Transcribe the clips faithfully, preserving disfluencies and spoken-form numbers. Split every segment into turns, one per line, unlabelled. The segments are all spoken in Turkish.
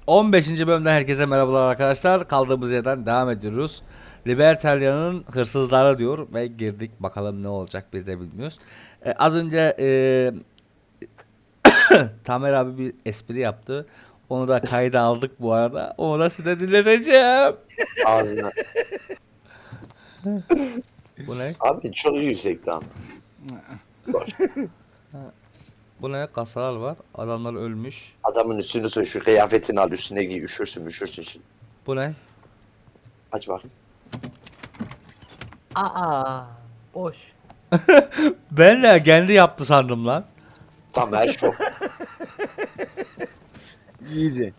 on beşinci bölümden herkese merhabalar arkadaşlar. Kaldığımız yerden devam ediyoruz. Libertalia'nın hırsızları diyor ve girdik. Bakalım ne olacak biz de bilmiyoruz. Ee, az önce e, Tamer abi bir espri yaptı. Onu da kayda aldık bu arada. Onu da size dinleteceğim.
Ağzına.
Bu ne?
Abi çok yüksekti ama. Boş.
Bu ne? Kasalar var. Adamlar ölmüş.
Adamın üstünü soy, şu kıyafetini al, üstüne giy, üşürsün üşürsün şimdi.
Bu ne?
Aç bakayım.
Aa, boş.
Ben de kendi yaptı sandım lan.
Tam her şok.
İyiydi.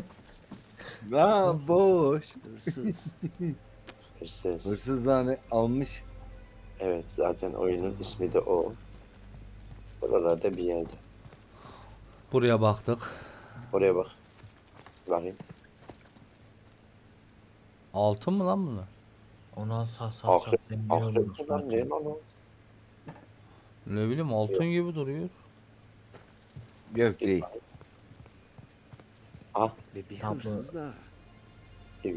Aa boş.
Hırsız.
Hırsız.
Hırsızlarını almış.
Evet, zaten oyunun ismi de o. Buralarda bir yerde.
Buraya baktık.
Oraya bak. Bakayım.
Altın mı lan bunlar?
Ona sağ sağ
Akrep,
sağ
akrep mi lan, ne lan o?
Ne bileyim altın gibi duruyor.
Yok değil.
Ah,
Ve bir
Tablo.
hırsız daha.
evet.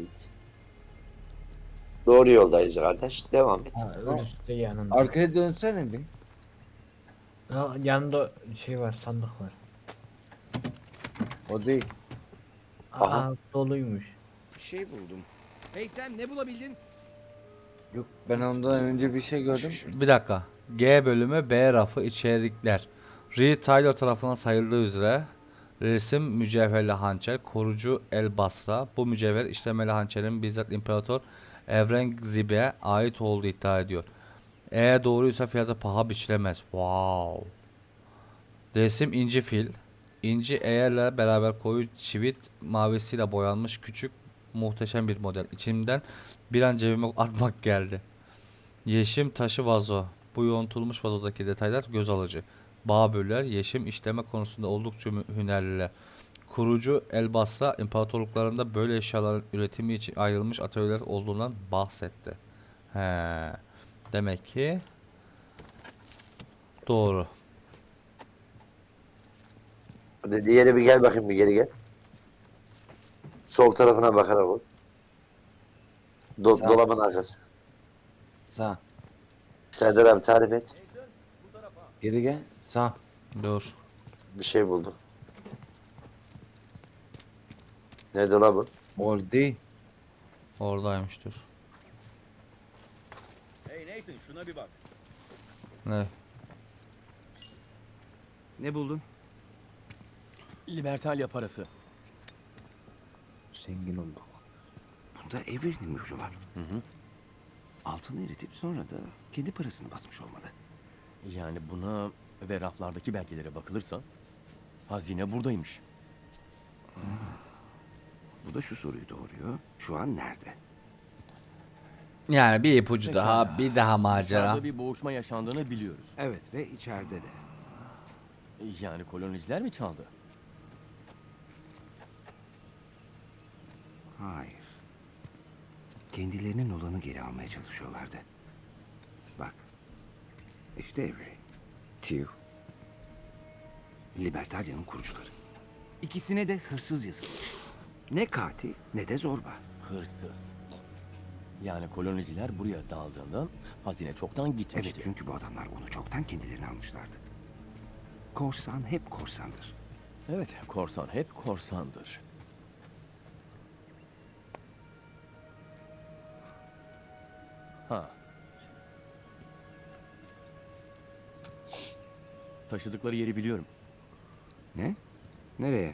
Doğru yoldayız kardeş. Devam et.
Ha, ölüsü de yanında.
Arkaya dönsene bir.
Ha, yanında şey var, sandık var.
O değil.
Aa,
Aha.
doluymuş.
Bir şey buldum. Hey Sam, ne bulabildin?
Yok ben ondan önce bir şey gördüm.
Bir dakika. G bölümü B rafı içerikler. Reed Taylor tarafından sayıldığı üzere resim mücevherli hançer, korucu el basra. Bu mücevher işlemeli hançerin bizzat İmparator Evrengzib'e ait olduğu iddia ediyor. Eğer doğruysa fiyatı paha biçilemez. Wow. Resim inci fil. İnci eğerle beraber koyu çivit mavisiyle boyanmış küçük muhteşem bir model. İçimden bir an cebime atmak geldi. Yeşim taşı vazo. Bu yoğuntulmuş vazodaki detaylar göz alıcı. Bağböller, yeşim işleme konusunda oldukça mü- hünerliler. Kurucu Elbasra imparatorluklarında böyle eşyaların üretimi için ayrılmış atölyeler olduğundan bahsetti. He. Demek ki doğru.
Hadi diğeri bir gel bakayım, bir geri gel. Sol tarafına bakarak ol. Do
Sağ.
dolabın arkası.
Sağ.
Serdar abi tarif et.
Geri gel. Sağ.
Dur.
Bir şey buldum. Ne dolabı?
Or değil.
Oradaymış dur.
Hey Nathan şuna bir bak.
Ne?
Ne buldun?
Libertalia parası.
Zengin olduk.
Bunda Avery'nin mührü var. Hı hı. Altını eritip sonra da kendi parasını basmış olmalı.
Yani buna ve raflardaki belgelere bakılırsa hazine buradaymış.
Bu da şu soruyu doğuruyor. Şu an nerede?
Yani bir ipucu
Pekala.
daha, bir daha macera.
Dışarıda bir boğuşma yaşandığını biliyoruz.
Evet ve içeride de.
Yani koloniciler mi çaldı?
Hayır. Kendilerinin olanı geri almaya çalışıyorlardı. Bak. İşte Avery. Tew. Libertalia'nın kurucuları. İkisine de hırsız yazılmış. Ne katil ne de zorba.
Hırsız. Yani koloniciler buraya daldığında hazine çoktan gitmişti.
Evet çünkü bu adamlar onu çoktan kendilerine almışlardı. Korsan hep korsandır.
Evet, korsan hep korsandır. Ha. Taşıdıkları yeri biliyorum.
Ne? Nereye?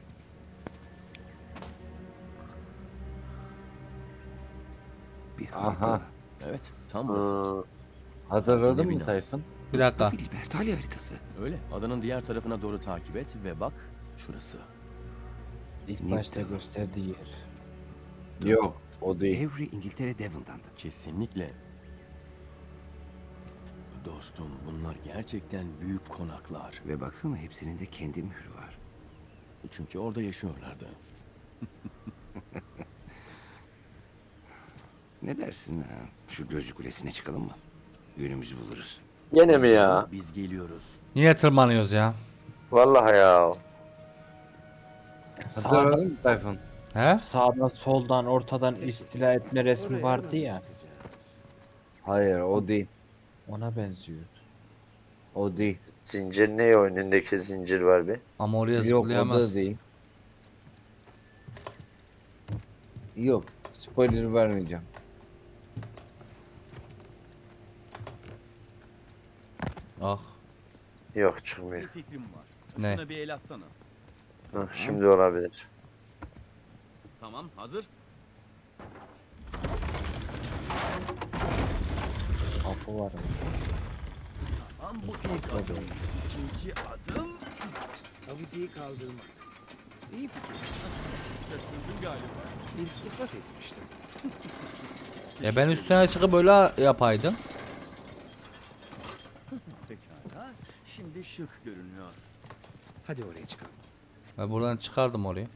Bir harita.
Aha.
Evet, tam burası.
Hı,
Hatırladın
Hazine
mı
binası.
Tayfun?
Bir dakika.
Bir Libertalia haritası.
Öyle. Adanın diğer tarafına doğru takip et ve bak şurası.
İlk
Newton.
başta gösterdiği yer. Yok o değil.
Avery İngiltere Devon'dandı.
Kesinlikle. Dostum bunlar gerçekten büyük konaklar.
Ve baksana hepsinin de kendi mührü var.
Çünkü orada yaşıyorlardı.
Ne dersin ha? Şu gözcü kulesine çıkalım mı? Yönümüzü buluruz.
Gene mi ya?
Biz geliyoruz.
Yine tırmanıyoruz ya.
Vallahi ya.
Hatırladın mı Tayfun?
He?
Sağdan soldan ortadan istila etme resmi vardı ya.
Hayır o değil.
Ona benziyordu.
O değil.
Zincir ne o? Önündeki zincir var bir.
Ama oraya
Yok o
zıplayamaz.
da değil. Yok. Spoiler vermeyeceğim.
Ah.
Yok
Bir
çıkmıyor.
fikrim var.
Ne?
Şuna bir el atsana.
Hah, şimdi olabilir.
Tamam, hazır.
Kapı var.
Tamam, bu ilk adım. İkinci adım.
Avizeyi kaldırmak. İyi fikir.
Şaşırdın galiba.
İltifat etmiştim.
Ya ben üstüne çıkıp böyle yapaydım.
Pekala. Şimdi şık görünüyor.
Hadi oraya çıkalım.
Ben buradan çıkardım orayı.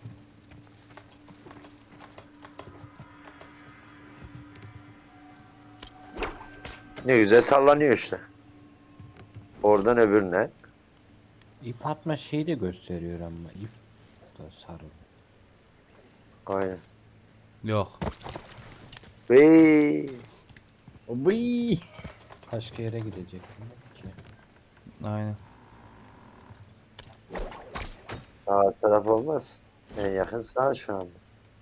Ne güzel sallanıyor işte. Oradan öbürüne.
İp atma şeyi de gösteriyor ama ip da sarı.
Aynen.
Yok.
Vey.
Oy.
Başka yere gidecek ki.
Aynen.
Sağ taraf olmaz. En yakın sağ şu anda.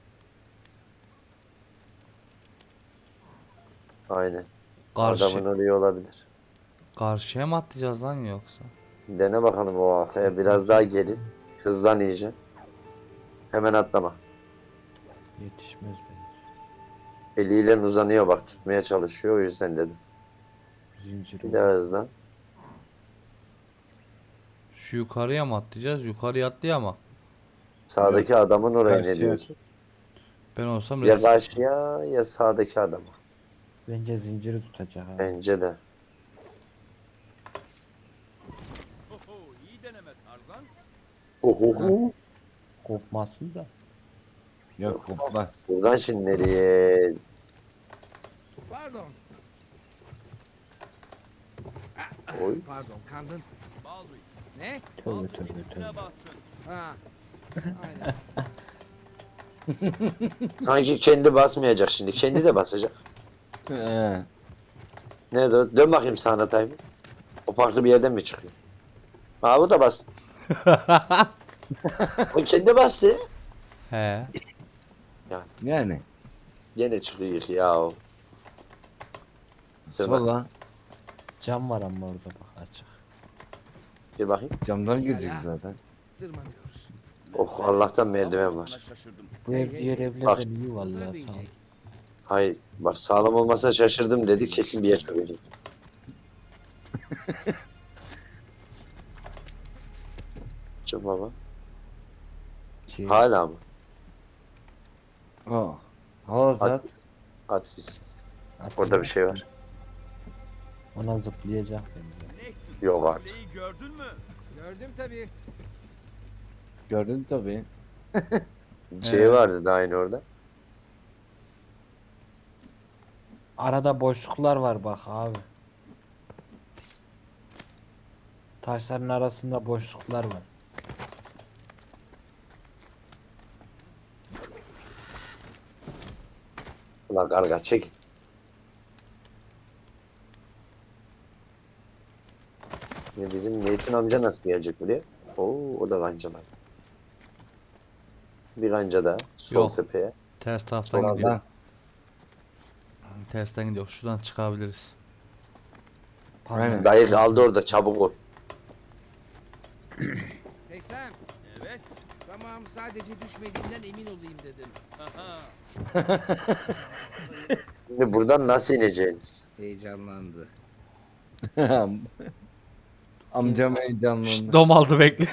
Aynen.
Karşı,
Adamın oraya olabilir.
karşıya mı atlayacağız lan yoksa?
Dene bakalım o arkaya. Biraz daha gelin. Hızlan iyice. Hemen atlama.
Yetişmez bence.
Eliyle uzanıyor bak. Tutmaya çalışıyor. O yüzden dedim.
Zincir
Bir
var.
daha hızlan.
Şu yukarıya mı atlayacağız? Yukarıya atlayamam.
Sağdaki adamın oraya ne
Karşıya.
diyorsun?
Ben olsam
Ya
res-
karşıya ya sağdaki adama.
Bence zinciri tutacak abi.
Bence de.
Oho, iyi deneme Tarzan.
Oho.
Kopmasın da.
Yok hopla.
Buradan şimdi nereye?
Pardon.
Oy.
Pardon kandın.
Baldwin.
Ne?
Tövbe tövbe
Üstüne
tövbe.
bastın.
Ha. Aynen.
Sanki kendi basmayacak şimdi. Kendi de basacak.
He.
Nerede o? Dön bakayım sağına Tayfun. O farklı bir yerden mi çıkıyor? Aa bu da bastı. O kendi bastı.
He.
Yani.
Gene çıkıyor ya o. Dur bak.
Sola.
Cam var ama orada bak açık.
Bir bakayım.
Camdan girecek zaten.
Tırmanıyoruz.
Oh Allah'tan merdiven var.
Şaşırdım.
Bu
Hey,
ev
hey,
diğer
hey.
evlerden
Bak.
iyi vallahi
Pazar
sağ ol.
diyecek.
Hayır bak sağlam olmasa şaşırdım dedi kesin bir yer çökecek. Çık baba.
Şey,
Hala mı?
Oh. Hala
Hadi.
at.
At gitsin.
atın.
Orada bir şey var.
Ona zıplayacak bence.
Nathan,
Yok artık.
kuleyi gördün mü?
Gördüm tabii.
Gördün tabii.
Şey
Ee?
vardı da aynı orada.
Arada boşluklar var bak abi. Taşların arasında boşluklar var.
Ulan karga çek. Ya bizim Nathan amca nasıl gelecek buraya? Oo o da kancalar. Bir kanca daha. Sol
Yok.
tepeye.
Ters taraftan
Soldan.
gidiyor. Tersten gidiyor. Şuradan çıkabiliriz.
Pardon.
Aynen.
Dayı kaldı orada çabuk ol.
Hey Sam.
Evet.
Tamam sadece düşmediğinden emin olayım dedim.
Aha.
Şimdi buradan nasıl ineceğiniz?
Heyecanlandı.
Amcam
Şşt,
heyecanlandı.
dom aldı bekle.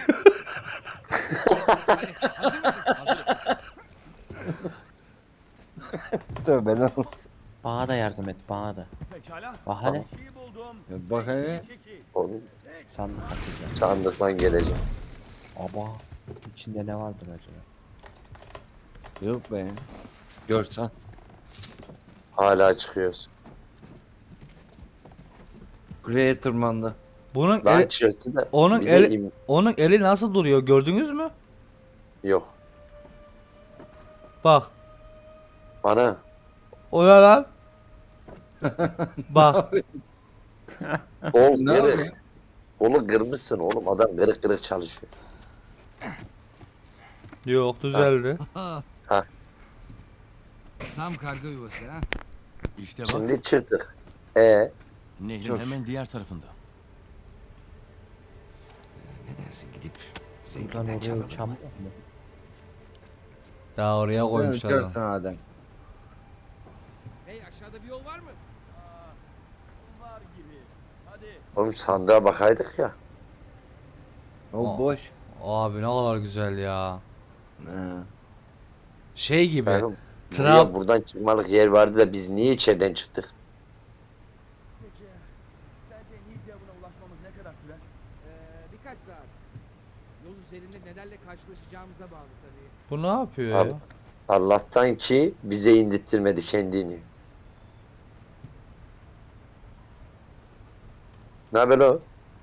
Hadi hazır mısın? Hazırım.
Tövbe lan.
Bana da yardım et bana da.
Pekala.
Bak hele
Bir şey buldum.
Ya bak hele.
Çekil.
Oğlum
sandık atacağım.
sandıktan geleceğim.
Aba içinde ne vardır acaba?
Yok be. Görsen.
Hala çıkıyoruz.
Kuleye tırmandı.
Bunun
Lan
eli,
çıktı da.
onun
bir de
eli-
im-
onun eli nasıl duruyor gördünüz mü?
Yok.
Bak.
Bana.
O ne lan? Bak.
Kol
Ne
kırık. Kolu kırmışsın oğlum. Adam kırık kırık çalışıyor.
Yok düzeldi.
Tam karga yuvası ha.
İşte bak.
Şimdi çırtık. E
Nehrin
Çok
hemen diğer tarafında.
Ne dersin gidip
Buradan
zengrinden
oraya
çalalım
uçan
mı?
mı?
Daha oraya
Sen
koymuşlar. adam.
uçarsın Adem.
Hey aşağıda bir yol var mı?
oğlum sandığa bakaydık ya.
O
Aa.
boş.
Abi ne kadar güzel ya.
He.
Şey gibi.
Oğlum,
Trab
buraya buradan çıkmalık yer vardı da biz niye içeriden çıktık?
Peki, sence Nidyabına ulaşmamız ne kadar sürer?
Ee, birkaç saat. Yol üzerinde nelerle karşılaşacağımıza bağlı tabii.
bu ne yapıyor
Abi.
ya?
Allah'tan ki bize indirttirmedi kendini. Ne haber o?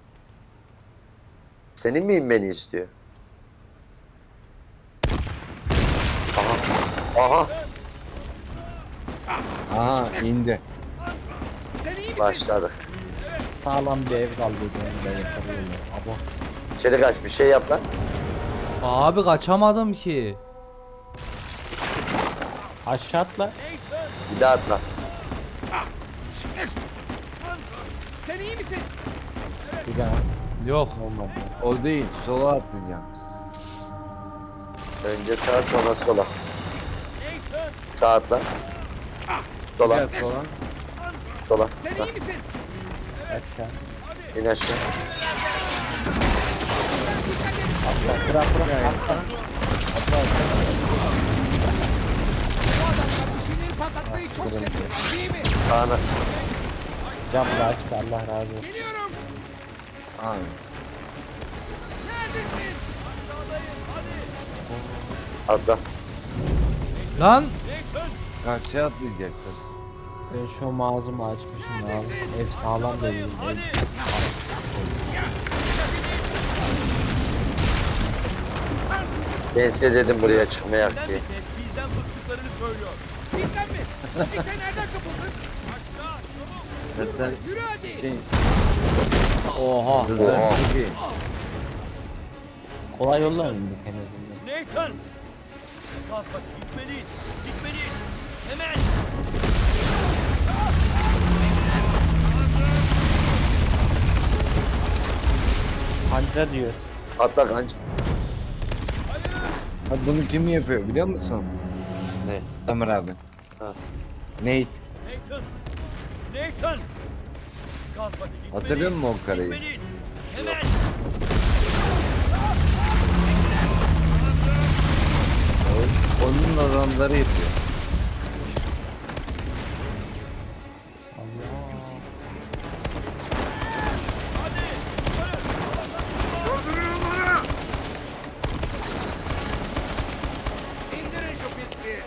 Senin mi inmeni istiyor? Aha. Aha.
Aha indi.
Sen iyi misin?
Başladık.
Sağlam bir ev kaldı ben yakalıyorum. Abo.
İçeri kaç bir şey yap lan.
Abi kaçamadım ki.
Aşağı atla.
Bir daha atla.
Sen iyi misin?
Bir daha.
Yok.
Olmadı.
O değil. Sola atlayacağım.
Önce sağa sonra sola. Sağ atla. Sola.
Biraz sola.
Sola.
Sen
Ha,
iyi misin?
Aşağı.
İn aşağı.
Dikkat et.
Atla. Bırak bırak. Atla.
Bu adamlar bir şeyleri patlatmayı çok seviyorlar değil mi?
Sağına.
Camla açtı. Allah razı olsun.
Geliyorum.
Aynen.
Neredesin?
Atla.
Lan
Karşıya atlayacaktın.
Ben şu mağazımı açmışım abi. Ev sağlam değil. Ev
Ben size dedim buraya çıkmayak diye.
Bizden mi? Trafikte nereden kapıldın?
Sen, sen
Yürü hadi.
şey...
oha.
Hızlı.
Oha.
Çok iyi.
kolay yollar mı en azından?
Nathan! Kalk hadi gitmeliyiz. Gitmeliyiz. Hemen!
Panca diyor.
Atla kanca.
Ha, bunu kim yapıyor biliyor musun?
Ne?
Ömer abi.
Ha.
Nate.
Nathan! Nathan! Kalk hadi gitmeliyiz.
Hatırlıyor musun o karıyı?
Gitmeliyiz. Hemen!
Onun adamları yapıyor.
İndirin şu pisliği.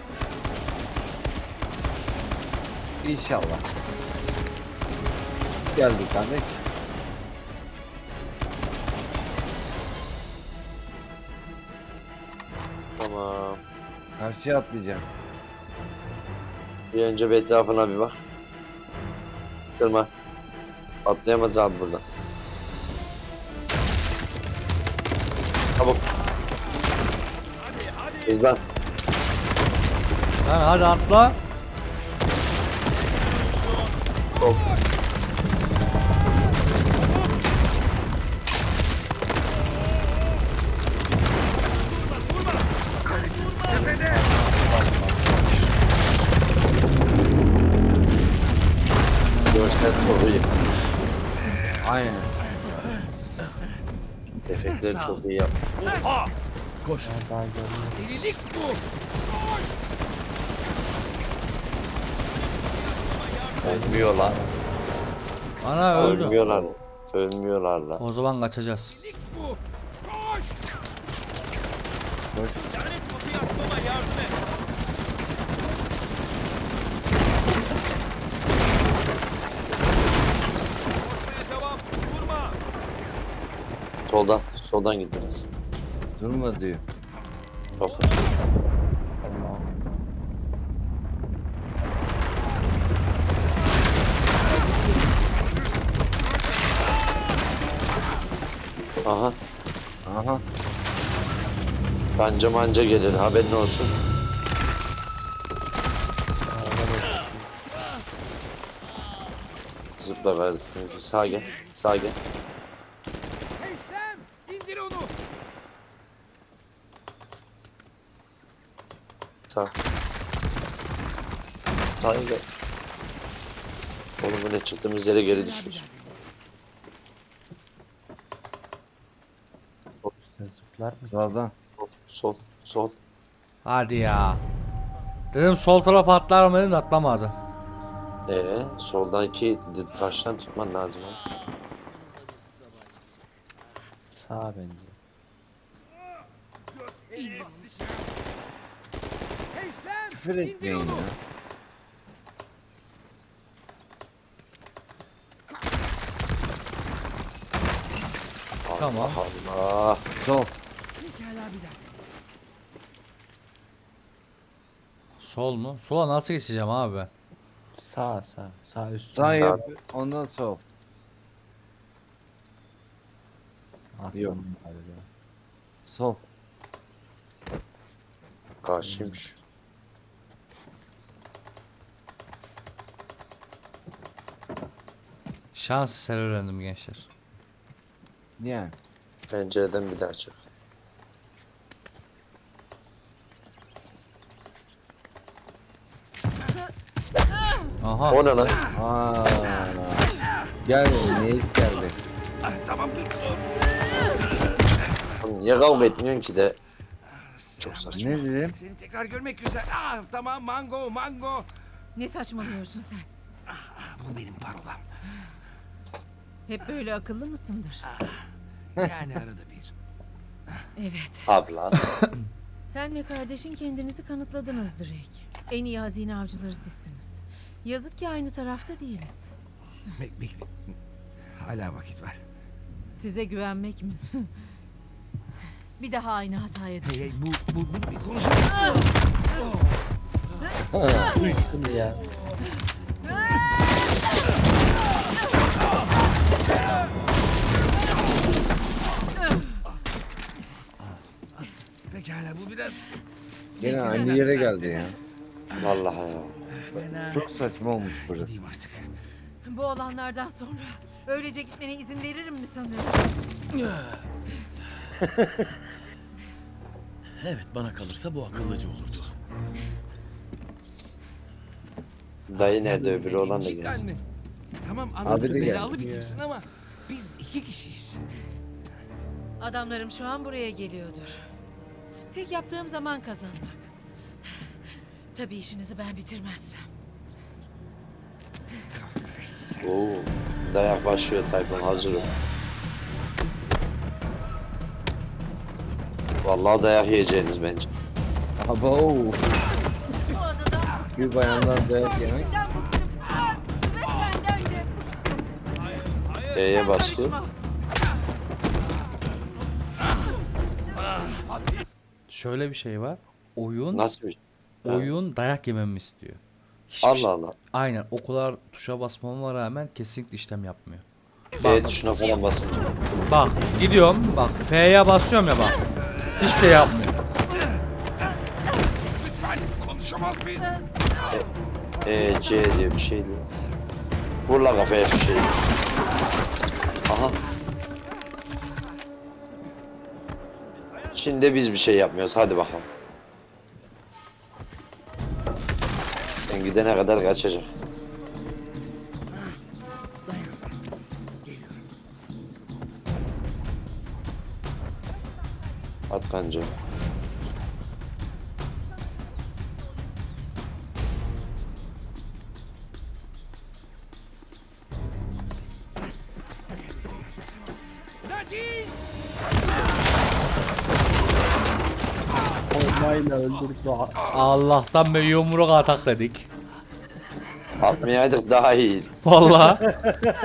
İnşallah. Geldik kardeş.
Tamam.
Karşıya atlayacağım.
Bir önce bir etrafına bir bak. Kırma. Atlayamaz abi buradan. Çabuk. Hızlan.
Lan hadi atla.
Sol. Görsel çok iyi.
Aynen.
Efektleri çok iyi yap.
Oha! Koş.
Ben daha görmüyorum.
Delilik bu.
Ölmüyorlar.
Ana öldü.
Ölmüyorlar. Ölmüyorlar lan.
O zaman kaçacağız.
Delilik bu. Koş.
Lanet kapıyı açmama yardım et. Koşmaya devam. Durma.
Soldan. Soldan git biraz.
Durma diyor.
Çok.
Tamam.
Aha.
Aha.
Kanca manca gelir haberin olsun. Zıpla kardeşim. Sağa gel. Sağa gel.
Hey Sam! İndir onu!
Sağ. Sağa gel. Oğlum bu ne çıktığımız yere geri düşüyoruz.
Üstüne zıplar mı?
Sağdan.
Sol. Sol.
Hadi ya. Dedim sol taraf atlar mı dedim de atlamadı.
Ee, soldaki taştan tutman lazım. ha.
Sağ bence.
Hey Sam!
Küfür
İndir
etmeyin
onu!
ya.
Tamam.
Allah.
Sol.
Pekala bir daha.
Sol mu? Sola nasıl geçeceğim abi?
Sağ sağ. Sağ üst.
Sağ
Sağ.
yap. Ondan sol.
Aklım
Yok.
galiba.
Sol.
Karşıymış.
Şans eseri öğrendim gençler.
Yani.
Pencereden bir daha çık.
Aha.
O ne lan?
Aa. Gel. Neyiz geldi.
Ah, tamam dur dur.
Oğlum niye kavga etmiyorsun ki de? Çok saçma.
Ne dedim?
Seni tekrar görmek güzel. Ah, tamam mango mango.
Ne saçmalıyorsun sen?
Bu benim parolam.
Hep böyle akıllı mısındır?
Yani arada bir.
Evet.
Abla.
Sen ve kardeşin kendinizi kanıtladınız Drake. En iyi hazine avcıları sizsiniz. Yazık ki aynı tarafta değiliz.
Bek bekle. Hala vakit var.
Size güvenmek mi? Bir daha aynı hataya
Hey
düşme.
hey bu bu bunu bir konuşalım.
Şimdi ya.
Pekala bu biraz
Gene aynı yere geldi ya.
Vallahi ya.
fena.
Çok saçma olmuş burası.
Gideyim artık.
Bu olanlardan sonra öylece gitmene izin veririm mi sanıyorsun?
Evet, bana kalırsa bu akıllıca olurdu.
Dayı nerede öbürü olan da
Cidden
gelsin.
mi? Tamam
Abi
anladım
de
belalı
geldi.
bir tipsin ama biz iki kişiyiz.
Adamlarım şu an buraya geliyordur. Tek yaptığım zaman kazanmak. Tabii işinizi ben bitirmezsem.
Oo. Dayak başlıyor Tayfun hazırım. Vallahi dayak yiyeceğiniz bence.
Abo.
Bu adada
Bir bayandan dayak yemek.
işinden bıktım. Ah! Ve senden de.
E'ye
Sen
basıyor.
karışma.
Şöyle bir şey var. Oyun
Nasıl bir
oyun dayak yememi istiyor. Hiçbir
Allah
şey-
Allah.
Aynen o kadar tuşa basmama rağmen kesinlikle işlem yapmıyor.
B tuşuna falan basınca.
Bak gidiyorum bak F'ye basıyorum ya bak. Hiçbir şey yapmıyor.
Lütfen konuşamaz mıyız?
E, C diye bir şey diyor. Vur la kafaya şu şeyi. Aha. Şimdi biz bir şey yapmıyoruz. Hadi bakalım. Sen gidene kadar kaçacak.
Dayan sen. Geliyorum.
At kanca.
Nadine!
Olmayla öldürdü.
Allah'tan be yumruk atak dedik.
Atmayaydık daha iyi.
Vallahi.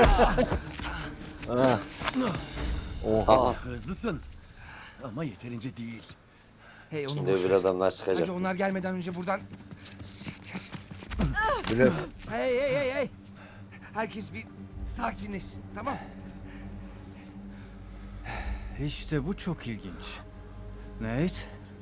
Ah.
Aha.
Hızlısın. Ama yeterince değil.
Hey onu
Şimdi
boş
öbür
ver.
adamlar çıkacak.
Hadi onlar gelmeden önce buradan... Siktir.
Blöf.
Hey hey hey hey. Herkes bir sakinleşsin tamam.
İşte bu çok ilginç. Nate?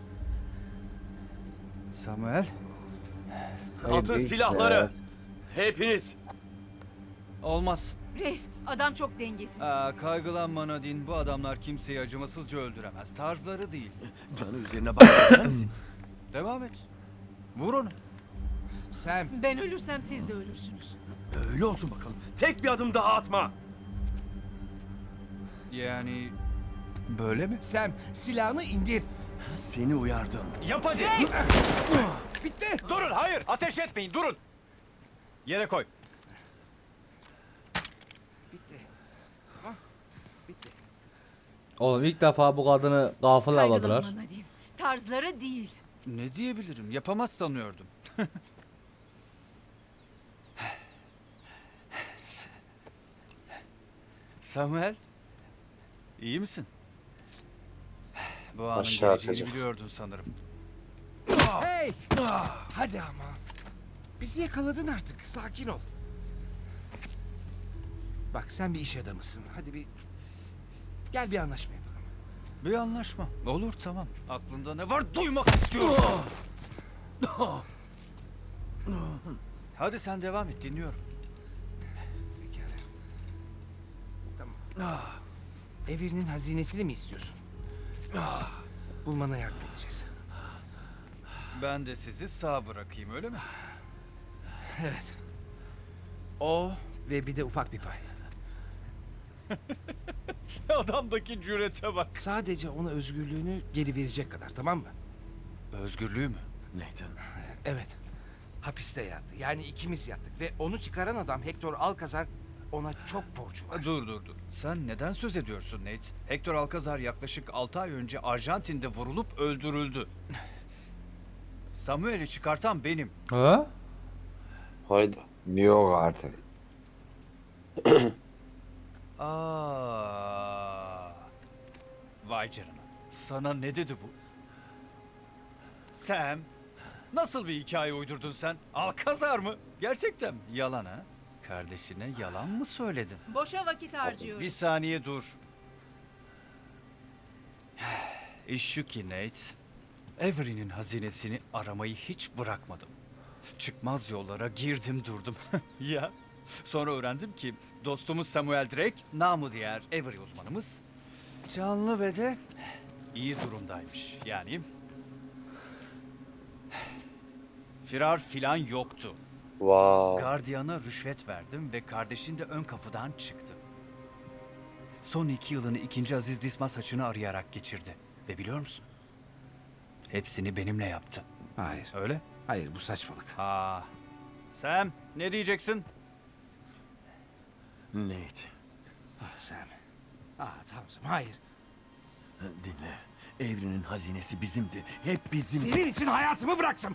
Samuel?
Atın silahları. Hepiniz.
Olmaz.
Reif, adam çok dengesiz.
Aa, kaygılanma Nadine. Bu adamlar kimseyi acımasızca öldüremez. Tarzları değil.
Canı üzerine bakar mısın?
Devam et. Vur onu.
Sam,
Ben ölürsem siz de ölürsünüz.
Öyle olsun bakalım. Tek bir adım daha atma.
Yani böyle mi?
Sam silahını indir.
Seni uyardım.
Yap hadi.
Bitti.
Durun, hayır. Ateş etmeyin, durun. Yere koy.
Bitti. Ah, bitti.
Oğlum ilk defa bu kadını gafıl avladılar.
Kaygılanma Nadine. Tarzları değil.
Ne diyebilirim? Yapamaz sanıyordum. Samuel, iyi misin? Bu anın
Aşağı
geleceğini
atacak.
biliyordun sanırım.
Hey! Hadi ama. Bizi yakaladın artık. Sakin ol. Bak sen bir iş adamısın. Hadi bir... Gel bir anlaşma yapalım.
Bir anlaşma. Olur, tamam. Aklında ne var duymak istiyorum. Hadi sen devam et, dinliyorum.
Pekala. Tamam. Evinin hazinesini mi istiyorsun? Bulmana yardım edeceğiz.
Ben de sizi sağ bırakayım, öyle mi?
Evet. O ve bir de ufak bir pay.
Adamdaki cürete bak.
Sadece ona özgürlüğünü geri verecek kadar, tamam mı?
Özgürlüğü mü?
Nathan.
Evet. Hapiste yattı. Yani ikimiz yattık ve onu çıkaran adam Hector Alcazar ona çok borcu var.
Dur dur dur. Sen neden söz ediyorsun Nate? Hector Alcazar yaklaşık altı ay önce Arjantin'de vurulup öldürüldü. Samuel'i çıkartan benim.
Ha?
Hayda.
Yok artık.
Aa. Vay canına. Sana ne dedi bu? Sam, nasıl bir hikaye uydurdun sen? Alcazar mı? Gerçekten mi? Yalan ha? Kardeşine yalan mı söyledin?
Boşa vakit harcıyorum.
Bir saniye dur. İş şu ki Nate, Avery'nin hazinesini aramayı hiç bırakmadım. Çıkmaz yollara girdim durdum. Ya. Sonra öğrendim ki dostumuz Samuel Drake, namı diğer Avery uzmanımız, canlı ve de iyi durumdaymış. Yani firar filan yoktu.
Wow.
Gardiyana rüşvet verdim ve kardeşin de ön kapıdan çıktı. Son iki yılını ikinci Aziz Dismas haçını arayarak geçirdi. Ve biliyor musun? Hepsini benimle yaptı.
Hayır.
Öyle?
Hayır, bu saçmalık.
Ha. Sam, ne diyeceksin?
Nate.
Ah Sam. Ah tanrım, hayır.
Dinle. Evrenin hazinesi bizimdi. Hep bizim.
Senin için hayatımı bıraktım.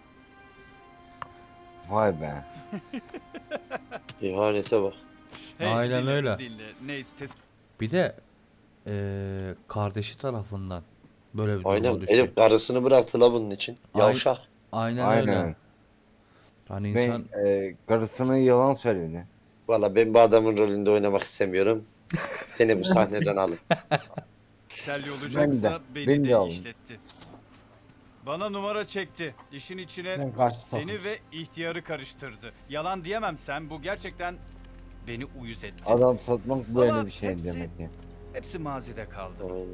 Vay be.
İhanete bak.
Aynen
dinle,
öyle.
Dinle. Nate, tes-
Bir de eee, kardeşi tarafından böyle bir duruma
Aynen.
düştü.
Elif karısını bıraktı la bunun için.
Ay-
Yavşak.
Aynen, öyle.
Aynen.
Hani insan
Ben e, karısına yalan söyledi.
Valla ben bu adamın rolünde oynamak istemiyorum. Beni bu sahneden alın.
telli olacaksa
Ben de,
beni
ben
de,
de alın.
işletti. Bana numara çekti. İşin içine
Sen karşı
seni
sokmuş.
ve ihtiyarı karıştırdı. Yalan diyemem, sen bu gerçekten beni uyuz etti.
Adam satmak böyle
Ama
bir şey
hepsi-
demek ki.
Hepsi mazide kaldı.
Aynen.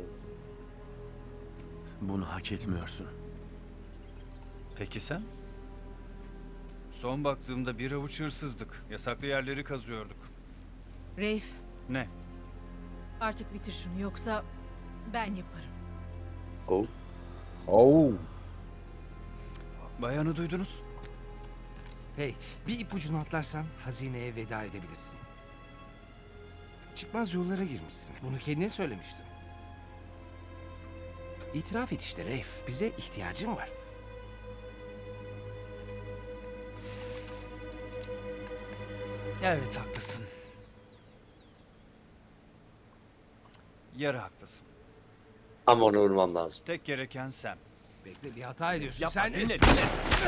Bunu hak etmiyorsun.
Peki sen? Son baktığımda bir avuç hırsızdık. Yasaklı yerleri kazıyorduk.
Reif,
Ne?
artık bitir şunu yoksa ben yaparım.
Oh.
Oo.
Bayanı duydunuz.
Hey, bir ipucunu atlarsan hazineye veda edebilirsin. Çıkmaz yollara girmişsin. Bunu kendine söylemiştin. İtiraf et işte Reif. Bize ihtiyacın var.
Evet, haklısın. Yarı haklısın.
Ama onu vurmam lazım.
Tek gereken sen.
Bekle, bir hata ediyorsun.
Yapma,
Sen
dinle, dinle.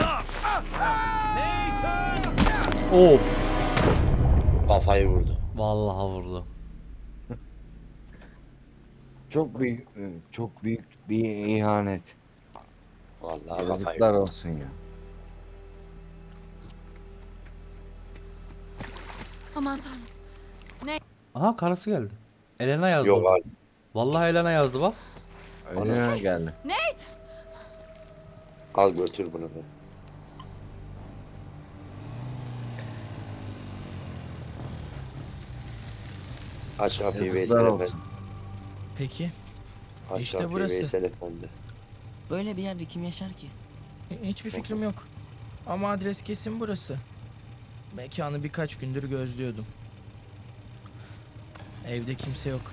Nathan!
of,
Kafayı vurdu.
vallahi vurdu.
çok büyük çok büyük bir ihanet.
Vallahi kafayı.
Yazıklar olsun ya.
Aman tanrım.
Aha karısı geldi. Elena yazdı.
Yok
orada.
abi.
Vallahi Elena yazdı bak.
Öyle geldi.
Al götür bunu. da. Aç kapıyı Veysel
Yazıklar
Efendi.
olsun.
Peki.
Aç
İşte
kapıyı
burası.
Veysel Efendi.
Böyle bir yerde kim yaşar ki?
Hi- Hiçbir fikrim yok. Ama adres kesin burası. Mekanı birkaç gündür gözlüyordum. Evde kimse yok.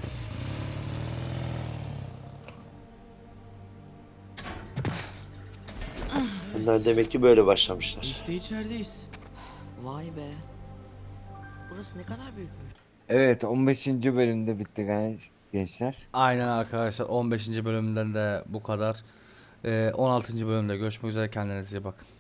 Bunlar demek ki böyle başlamışlar.
İşte içerideyiz.
Vay be. Burası ne kadar büyükmüş.
Evet, on beşinci bölümde bitti genç- gençler.
Aynen arkadaşlar, on beşinci bölümden de bu kadar. Ee, on altıncı bölümde görüşmek üzere, kendinize iyi bakın.